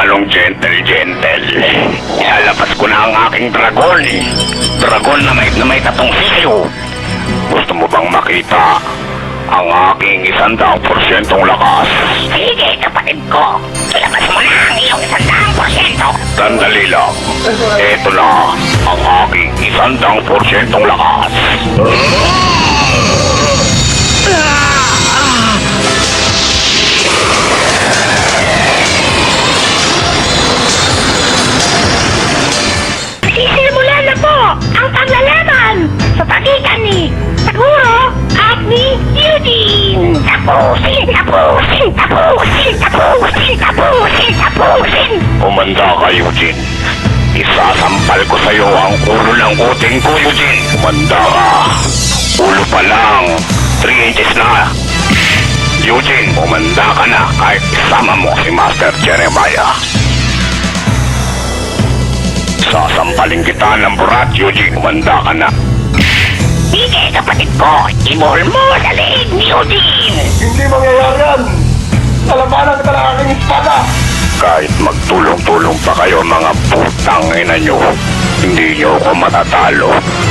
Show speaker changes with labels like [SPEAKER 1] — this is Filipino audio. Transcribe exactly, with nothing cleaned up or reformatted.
[SPEAKER 1] lalong gentle-gentle. Ilalabas ko na ang aking dragon. Dragon na may, na may tatong sisiyo. Gusto mo bang makita ang aking isandaang porsyentong lakas?
[SPEAKER 2] Sige, kapatid ko. Ilabas mo na ang iyong isandaang porsyento.
[SPEAKER 1] Sandali lang. Ito na ang aking isandaang porsyentong lakas.
[SPEAKER 2] Sisimula na po ang paglalaban sa pagitan ni Taguro at ni Eugene. Tapusin, tapusin, tapusin, tapusin, tapusin, tapusin.
[SPEAKER 1] Kumanda ka, Eugene. Isasampal ko sa'yo ang ulo ng uting ko, Eugene. Kumanda ka. Ulo pa lang. three inches na. Eugene, kumanda ka na kahit isama mo si Master Jeremiah. Sasampalin kita ng burat, Eugene. Kumanda ka na.
[SPEAKER 2] Sige, kapatid ko. Ibol mo sa leeg ni Eugene.
[SPEAKER 3] Hindi mangyayari yan! Lalabanan kita ng aking espada!
[SPEAKER 1] Kahit magtulong-tulong pa kayo mga putang ina nyo, hindi nyo ako matatalo.